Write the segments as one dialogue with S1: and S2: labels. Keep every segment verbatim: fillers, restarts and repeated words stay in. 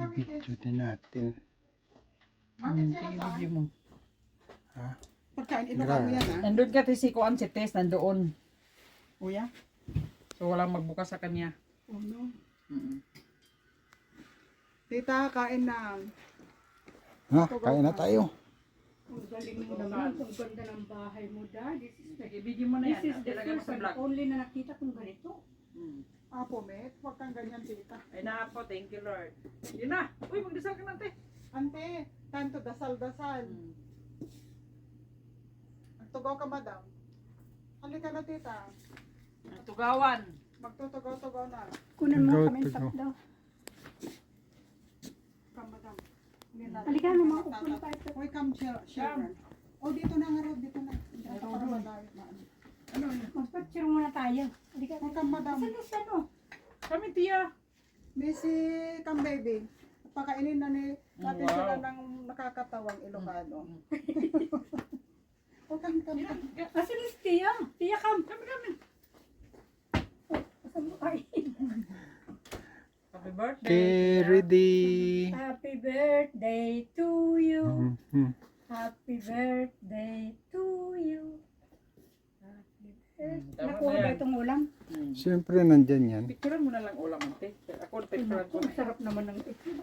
S1: Video din natin.
S2: Hindi video mo.
S1: Ha?
S3: Pagkain, inukan mo yan ha.
S2: Nandun ka si Kuan si Tess, nandoon.
S3: Uya?
S2: So walang magbukas sa kanya.
S3: Oh no.
S2: Mm.
S3: Tita, kain na.
S1: Ha? Kain na tayo.
S4: Ang galing mo naman. Ang ganda ng bahay mo, Dad. This is,
S2: Nag-video mo na
S4: this
S2: yan.
S4: is the
S2: Ilagay mo
S4: first
S2: sa
S4: and
S2: vlog.
S4: only na nakita kong ganito.
S2: Mm.
S3: Apo, met. Huwag kang ganyan, tita.
S2: Ay na po, thank you Lord. Yun na. Uy, magdasal ka nante.
S3: Ante, time to dasal-dasal.
S2: Mm.
S3: Magtugaw ka, madam. Halika na, tita.
S2: Ang tugawan.
S3: Magtutugaw-tugaw na.
S4: Kunan mo
S1: Go
S4: kami
S1: to
S4: sa
S1: go.
S4: daw.
S3: Come, madam. Hindi na-
S4: Halika na, mga upon tayo.
S3: Uy, come, chil- children. Oh, dito na nga, Rod. Dito na. Dito para madami. Ano?
S4: Magpapicture muna tayo. Halika
S3: Oh,
S4: na.
S3: come, madam.
S4: Saan na saan o?
S2: Kami tiya.
S3: Missy, come, baby. Pakainin na ni natin
S2: Wow.
S3: sila ng nakakatawang Ilocano. Oh, come, come, come.
S4: Asan na si Tia? Tia, come. Kami, kami. Asan mo? Ay.
S2: Happy birthday.
S1: Okay, ready.
S4: Happy birthday to you.
S1: Mhm.
S4: Happy birthday to you. Happy birthday.
S2: Tama
S4: Nakuha
S2: na
S4: ba
S2: yan.
S4: itong ulam?
S2: Mm.
S1: Siyempre nandyan yan.
S2: Picturean mo na lang ulam ante. Ako picturean ko
S4: Ang
S2: na.
S4: sarap naman ng ito.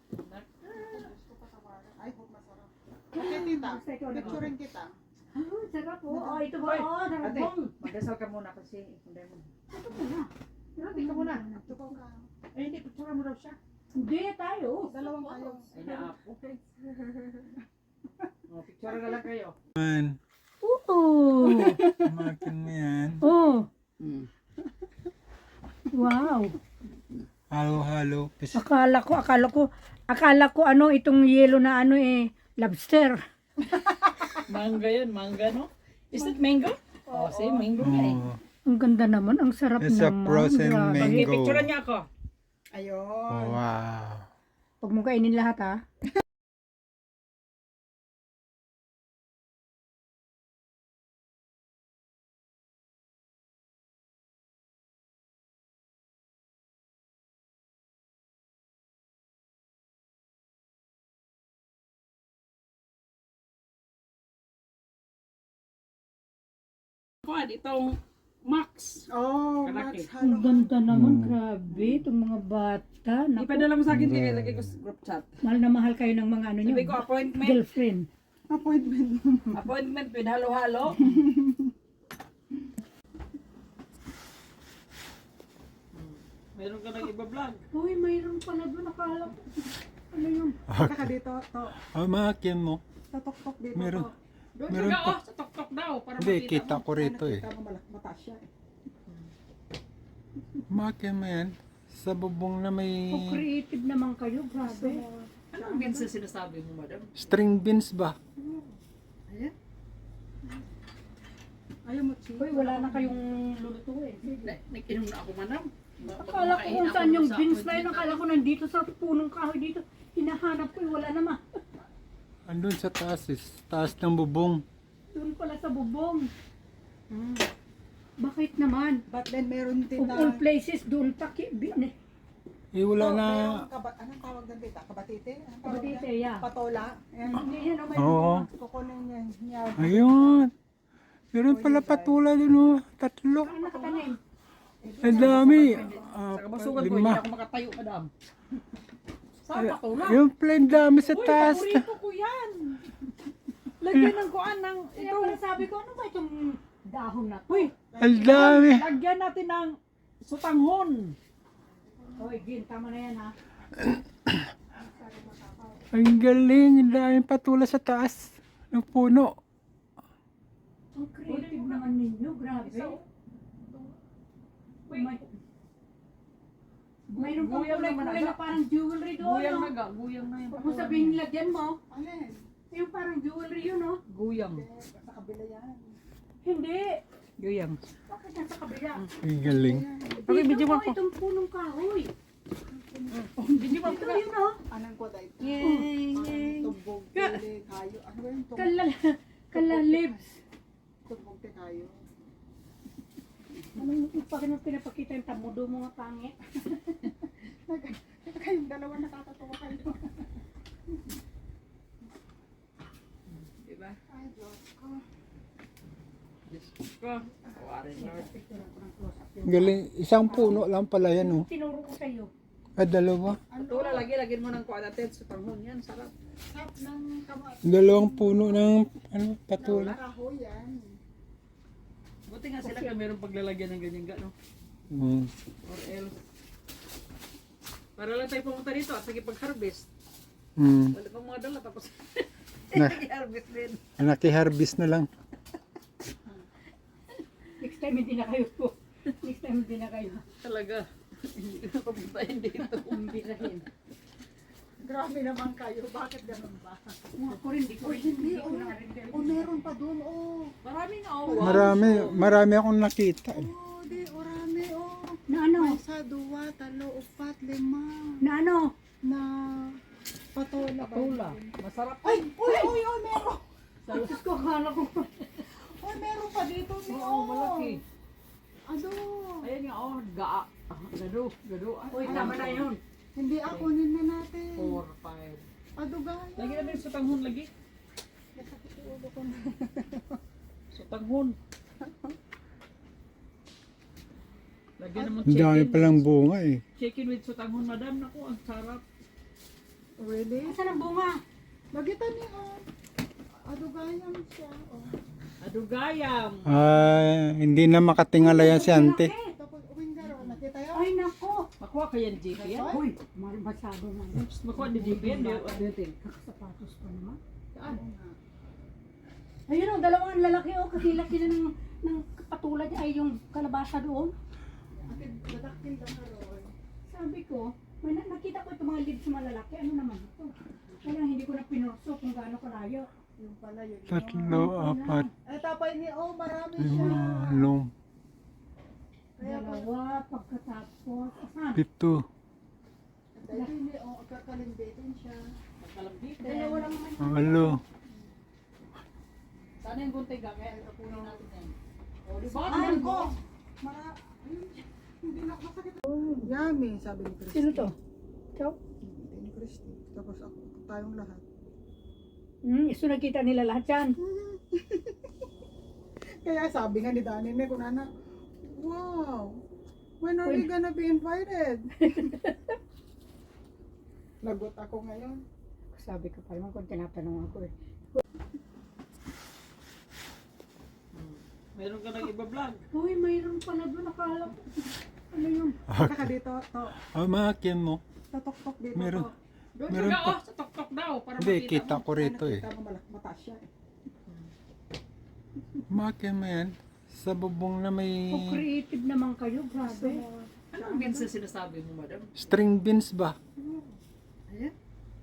S3: Ay, hope masarap. Okay, tita.
S4: Basta ikaw na.
S3: Picturein kita.
S4: Ah, sarap po. Oh, ito ba?
S2: Hoy,
S4: Oh, sarap
S2: ate,
S4: bong.
S2: magdasal ka muna kasi hindi mo.
S4: Ito po na.
S2: Ate ka muna.
S3: Tugaw ka.
S2: Ay, hindi, picturean mo daw siya.
S4: Hindi, tayo.
S3: Dalawang kayo.
S2: Ay, naapo. Oh, picture na lang kayo.
S1: Man,
S4: Oo.
S1: makin mo yan.
S4: Oh.
S2: Mm.
S4: Wow.
S1: Halo-halo. Pis-
S4: Akala ko, akala ko, akala ko ano itong yellow na ano eh, lobster.
S2: Mangga yan, mangga no? Is it mango? Oh, say mango nga eh.
S1: Oh,
S4: Ang ganda naman, ang sarap
S1: It's a
S4: naman.
S1: frozen
S4: Grabe.
S1: mango.
S2: Okay, picturean niya ako.
S3: Ayun.
S1: wow.
S4: Huwag mo kainin lahat ha.
S2: Kuan, itong Max.
S3: Oh,
S2: Kalaki.
S3: Max,
S4: Ang
S3: halo.
S4: ganda naman,
S1: Mm.
S4: grabe. Itong mga bata. Naku,
S2: Ipadala mo sa akin,
S1: Mm.
S2: tinilagay ko sa group chat.
S4: mahal na mahal kayo ng mga ano nyo.
S2: Sabi ko, appointment.
S4: Girlfriend.
S3: Appointment.
S2: Appointment with halo-halo. Meron ka nang iba-vlog.
S4: Uy, mayroon pala doon. Akala ko. Ano yun?
S3: Saka dito, to.
S1: Oh, makin mo.
S3: Tatok-tok dito.
S1: Meron.
S3: To.
S2: Doon
S1: Meron
S2: ka,
S1: pa.
S2: oh, sa tok-tok daw. Para
S1: Hindi,
S2: makita
S1: kita
S2: mo.
S1: ko rito eh.
S3: Nakita mo malak- mataas siya eh.
S1: Makin mo yan. Sa bubong na may
S4: So creative naman kayo, grabe.
S2: Anong beans na sinasabi mo, madam?
S1: string beans ba?
S3: Ayan. Ayaw mo, Chi.
S4: Uy, wala na kayong luluto eh.
S2: Na- Nag-inom na ako, madam. Ma-
S4: Akala ko
S2: kumakain
S4: kung
S2: ako
S4: saan yung
S2: sa
S4: beans na yun.
S2: appointment.
S4: Akala ko nandito sa punong kahoy dito. Hinahanap ko eh, wala naman.
S1: Andun sa taas eh. Taas ng bubong.
S4: Doon pala sa bubong. Hmm. Bakit naman?
S3: But then meron din
S4: Of
S3: na...
S4: all places, doon pa ki... bi- ne-
S1: Eh wala
S3: Oh,
S1: na.
S3: merong kaba- anong tawag doon, tita? Kabatite? Anong tawag
S4: Kabatite,
S3: yan?
S4: yeah.
S3: Patola? Ayan.
S4: Hindi yan, oh, may
S1: Oo.
S3: Kukunin niya. niya.
S1: Ayun. Meron pala patula dun oh. Tatlo.
S4: Ano nakatanim?
S1: Ang dami.
S2: Sa
S1: Ah,
S2: kabusugan ko, hindi
S1: lima.
S2: ako makatayo, madam. Saan pa to na?
S1: Yung plain dami sa
S2: Uy,
S1: taas.
S2: paborito ko yan. Lagyan ng kuan ng
S4: Kaya
S2: ito.
S4: pala sabi ko, ano ba itong dahon na to?
S2: Uy,
S1: Ang dami.
S2: lagyan natin ng sutanghon.
S4: Oy, Gin, tama na yan ha.
S1: Ang galing. Ang daming patula sa taas. Ng puno.
S4: Ang creative naman ninyo, grabe. May, mayroon pang
S2: Guyang naman
S4: kulay-kulay
S2: aga.
S4: na parang jewelry doon.
S2: Guyang
S4: no?
S2: na ga, guyang na yan.
S4: Huwag mo sabihin nilagyan mo.
S3: Alin?
S4: Yung parang jewelry yun, no?
S2: Guyang.
S3: Eh, Sa kabila yan.
S4: Hindi.
S2: Guyang.
S4: Bakit nasa kabila?
S1: Ang galing.
S2: Okay,
S4: Dito
S2: video
S4: po,
S2: mo ako.
S4: itong punong kahoy.
S2: Hindi ba
S4: Ito yun, no?
S3: Anong ko dahil?
S2: Yay,
S3: Parang tumbog, pili, kayo. Ano ba yung tumbog?
S4: Kala, kala lips.
S3: Tumbog te kayo.
S4: Anong bakit mo pinapakita yung tamudo mo nga pangit?
S3: Kayong dalawa nakakatawa kayo.
S2: ka. Kawarin Lord.
S1: Galing, isang puno lang pala yan, oh.
S4: Tinuro ko sa iyo.
S1: Ah, dalawa.
S2: Patula, lagi, lagyan mo ng kuadatet sa tanghon yan. Sarap.
S3: Sap ng kama-
S1: Dalawang puno ng, ano, patula.
S3: kahoy yan.
S2: Buti nga sila kung mayroong paglalagyan ng ganyan ga, no?
S1: Mm.
S2: Or else. Para lang tayo pumunta dito at sige pag-harvest.
S1: Mm.
S2: Wala pang mga dala tapos
S1: Na,
S2: i-harvest din.
S1: naki-harvest na lang.
S4: Next time hindi na kayo po. Next time hindi na kayo.
S2: Talaga. Hindi ko papuntahin dito.
S4: Umbirahin.
S3: Grabe naman kayo. Bakit ganun ba?
S4: Ako rin, di ko rin.
S3: Hindi,
S4: Hindi ko
S3: oh.
S4: na rin.
S3: O meron pa doon, oh.
S2: Marami nga oh. Wow.
S1: Marami, marami akong nakita, eh.
S3: Oh, di, orami, oh.
S4: Na ano?
S3: Isa, dua, talo, upat, lima.
S4: Na ano?
S3: Na patola.
S2: Patula. Masarap.
S3: Ay, uy, uy, uy, meron.
S4: Diyos ko, akala ko.
S3: Uy, meron pa dito, ni,
S2: Oo,
S3: oh.
S2: malaki.
S3: Ano?
S2: Ayan nga oh, gaa. Ah, Gado, gado.
S4: Uy, tama na yun.
S3: Hindi ako nina natin.
S2: four, five.
S3: Adugay.
S2: Lagi na din sa tanghon lagi. Sa tanghon. Lagyan naman
S1: Ang dami
S2: chicken.
S1: palang bunga, eh.
S2: Chicken with sutanghon, madam. Naku, ang sarap.
S3: Really?
S4: Asan ang bunga?
S3: Magitan ni, oh. Adugayan siya, oh.
S2: Adugayam.
S1: Ah, hindi na makatingala yan si ante.
S3: Tapos, uwing garo, nakita yun?
S4: Ay, nako.
S2: Makuha ka yan, J P yan.
S4: Uy, mar- masyado na.
S2: Makuha ni J P yan. Di- Ano yung ting?
S4: Kakasapatos pa naman.
S2: Saan?
S4: Ayun o, dalawang lalaki o, kasi laki na ng, ng patulad niya ay yung kalabasa doon.
S3: Akin, dadakil lang na ron.
S4: Sabi ko, may na- nakita ko itong mga leaves na malalaki, ano naman ito? Kaya hindi ko na pinurso kung gaano kalayo.
S3: Yung pala yun.
S1: Tatlo, apat,
S3: Eh, tapay ni, oh, marami siya.
S1: lima, walong,
S3: Kaya pa,
S4: Dalawa, pagkatapos, asan?
S1: pito.
S3: dahil ni, oh, kakalimbitin siya.
S2: Magkalambitin.
S4: Dalawa lang naman.
S1: Walo.
S2: Sana yung gunting ka, kaya kapunin natin yan. O, di ba?
S3: Saan ko? Mara, ayun, hindi na masakit. Yummy, sabi ni Christy.
S4: Sino to? Ikaw?
S3: Hindi ni Christy. Tapos ako, tayong lahat.
S4: Hmm, iso nakita nila lahat yan.
S3: Kaya sabi nga ni Dani ni Kunana, wow, when are we gonna be invited? Lagot ako ngayon.
S4: Sabi ko pa naman kung tinatanong ako eh.
S2: Meron ka nang iba-vlog.
S4: Uy, mayroon pala doon, nakala ko. Ano yun?
S3: Saka dito, to,
S1: Ah, maakin mo.
S3: tatok-tok dito.
S1: Meron.
S3: To.
S2: Doon
S1: Meron
S2: ka,
S1: pa.
S2: oh, sa tok-tok daw. Para
S1: Hindi,
S2: makita
S1: kita
S2: mo.
S1: ko rito, eh.
S3: Nakita mo malak, mataas siya eh.
S1: Maakin mo yan. Sa bubong na may
S4: Oh, creative naman kayo, grabe.
S2: Anong beans na sinasabi mo, madam?
S1: string beans ba?
S3: Ayan.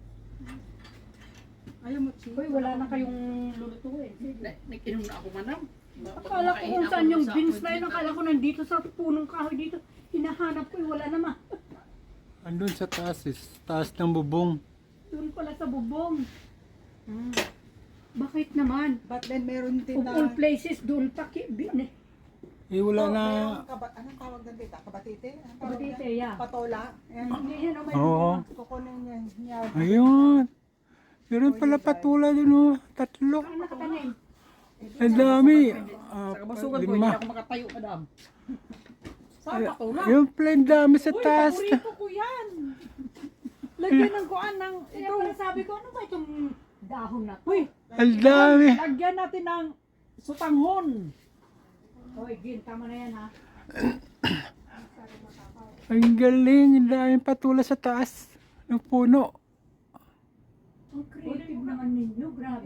S3: Ayaw mo, Chi.
S4: Uy, wala na kayong lulutuin.
S2: Na- Nag-inom na ako, madam.
S4: Akala ko kung saan yung beans na yun, akala ko nandito sa punong kahoy dito. Hinahanap ko, eh, wala naman.
S1: Andun sa taas, eh. Taas ng bubong.
S4: Doon pala sa bubong. Hmm. Bakit naman?
S3: But then meron din
S4: Of
S3: na...
S4: all places, doon pa ki... bi- ne-
S1: Eh, wala
S3: Oh,
S1: na.
S3: merong kaba- anong tawag doon dito? Kabatite? Anong tawag
S4: Kabatite,
S3: yan?
S4: yeah.
S3: Patola? Yan.
S4: Hindi yan, oh, may
S1: Oo.
S3: Kukunin niya. niya.
S1: Ayun. Meron pala patula dun, oh. Tatlo.
S4: Saan nakatanim?
S1: Ang dami.
S2: Sa
S1: Apat,
S2: kabasugan ko, hindi
S1: lima.
S2: ako makatayo, madam. Saan pa to na?
S1: Yung plain dami sa
S2: Uy,
S1: taas.
S2: paborito ko yan. Lagyan ng kuan ng
S4: Kaya
S2: ito.
S4: pala sabi ko, ano ba itong dahon na to?
S2: Uy,
S1: Ang dami.
S2: lagyan natin ng sutanghon.
S4: Hoy, Gin, tama na yan ha.
S1: Ang galing. Ang daming patula sa taas ng puno.
S4: Ang creative naman ninyo, grabe.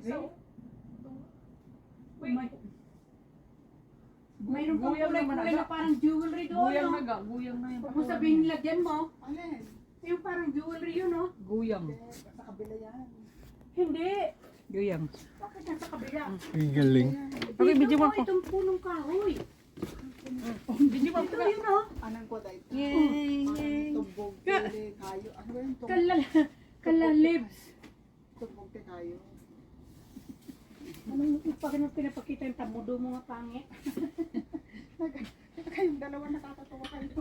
S4: May, mayroon pang
S2: Guyang naman
S4: kulay-kulay na
S2: aga.
S4: parang jewelry doon.
S2: Guyang
S4: no?
S2: na ga, guyang na yan.
S4: Huwag mo sabihin nilagyan mo.
S3: Alin?
S4: Yung parang jewelry yun, no?
S2: Guyang.
S3: Eh, sa kabila yan.
S4: Hindi.
S2: Guyang.
S4: Bakit nasa kabila?
S1: Ang galing.
S2: Okay,
S4: Dito
S2: video
S4: mo,
S2: mo ako.
S4: itong punong kahoy.
S2: Hindi ba
S4: Ito yun, no?
S3: Anong ko dahil?
S2: Yay,
S3: Parang tumbog, pili, kayo. Ano ba yung tumbog?
S4: Kala, kala lips.
S3: Tumbog te kayo.
S4: Anong pag pinapakita yung tamudo mo nga pangit?
S3: Kayong dalawa nakakatawa kayo.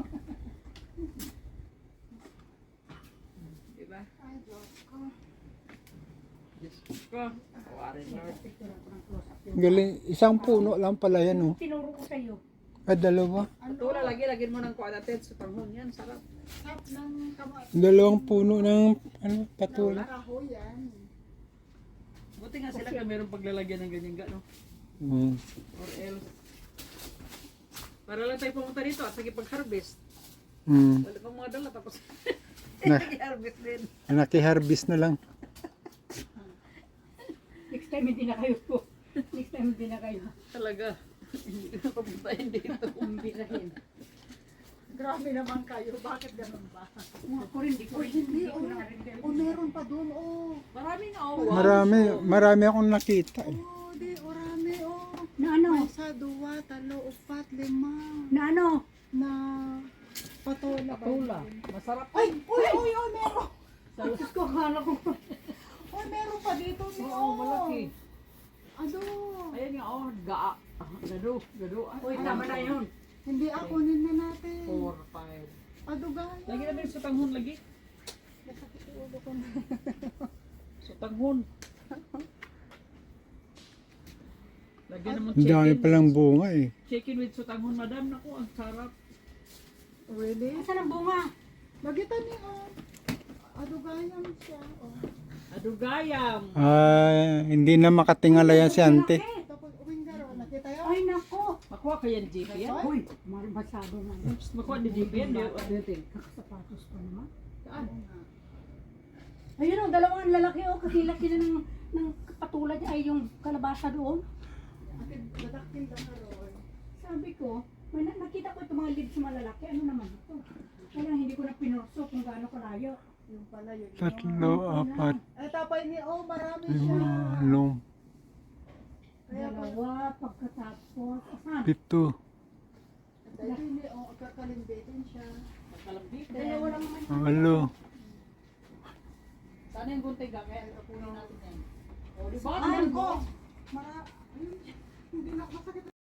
S2: Diba?
S3: Ay, Diyos ko.
S2: Diyos ko. Kawarin Lord.
S4: Picture ako ng close-up yun.
S1: Galing, isang puno lang pala yan, oh.
S4: Tinuro ko sa'yo.
S1: Ah, dalawa.
S2: Patula, lagi, lagyan mo ng kuadatet sa panghon yan. Sarap.
S3: Tap ng kamay.
S1: Dalawang puno ng, ano, patula.
S3: Kahoy yan.
S2: Buti nga sila ka mayroong paglalagyan ng ganyan ga, no?
S1: Mm.
S2: Or else. Para lang tayo pumunta dito at sige pag-harvest.
S1: Mm.
S2: Wala pang mga dala tapos
S1: Na,
S2: nag-harvest din.
S1: naki-harvest na lang.
S4: Next time hindi na kayo po. Next time hindi na kayo.
S2: Talaga. Hindi ko na papuntahin dito.
S4: Umbirahin.
S3: Grabe naman kayo. Bakit ganun ba?
S4: Kung ako rin, di ko rin.
S3: Hindi,
S4: Hindi ko
S3: oh.
S4: na rin.
S3: O meron pa doon, oh.
S2: Marami na oh. Wow.
S1: Marami, marami akong nakita, eh.
S3: Oh, di, orami, oh.
S4: Na ano?
S3: Isa, dua, talo, upat, lima.
S4: Na ano?
S3: Na patola. ba
S2: Patula.
S3: yun?
S2: Masarap.
S3: Ay, uy, uy, uy, meron.
S4: Diyos ko, akala ko.
S3: Uy, meron pa dito.
S2: Oo,
S3: Oh,
S2: malaki.
S3: Ano?
S2: Ayan nga oh, gaa. Ah, gado, gado.
S4: Uy, tama na yun.
S3: Hindi ako nina natin.
S2: Four, five.
S3: Adugay.
S2: Lagi na din sa tanghon lagi. Sa tanghon. Lagyan naman
S1: Ang dami
S2: chicken.
S1: palang bunga, eh.
S2: Chicken with sutanghon, madam. Naku, ang sarap.
S3: Really?
S4: Asan ang bunga?
S3: Magitan ni, oh. Adugayan siya, oh.
S2: Adugayam.
S1: Ah, hindi na makatingala yan si ante.
S4: Malaki.
S3: Tapos, uwing garo, nakita yun?
S4: Ay, nako.
S2: Makuha ka yan, J P yan.
S4: Uy, masyado na.
S2: Makuha ni J P yan. Di- Ano yung ting?
S4: Kakasapatos pa naman.
S2: Saan?
S4: Ayun o, dalawang lalaki o, kakilaki na ng, ng patulad niya ay yung kalabasa doon.
S3: Akin, dadakil lang na roon.
S4: Sabi ko, may na- nakita ko itong mga leaves sa malalaki, ano naman ito? Kaya hindi ko na pinurso kung gaano kalayo.
S3: Yung pala yun.
S1: Tatlo, apat,
S3: Eh, tapay ni, oh, marami siya.
S1: lima, walong,
S3: Kaya pa,
S4: Dalawa, pagkatapos, asan?
S1: pito.
S3: dahil ni, oh, kakalimbitin siya.
S2: Magkalambit.
S4: Dalawa lang naman.
S1: Walo.
S2: Sana yung gunting ga, kaya kukunin natin yan. O, di ba?
S3: Saan ko? Mara, ayun, hindi na, masakit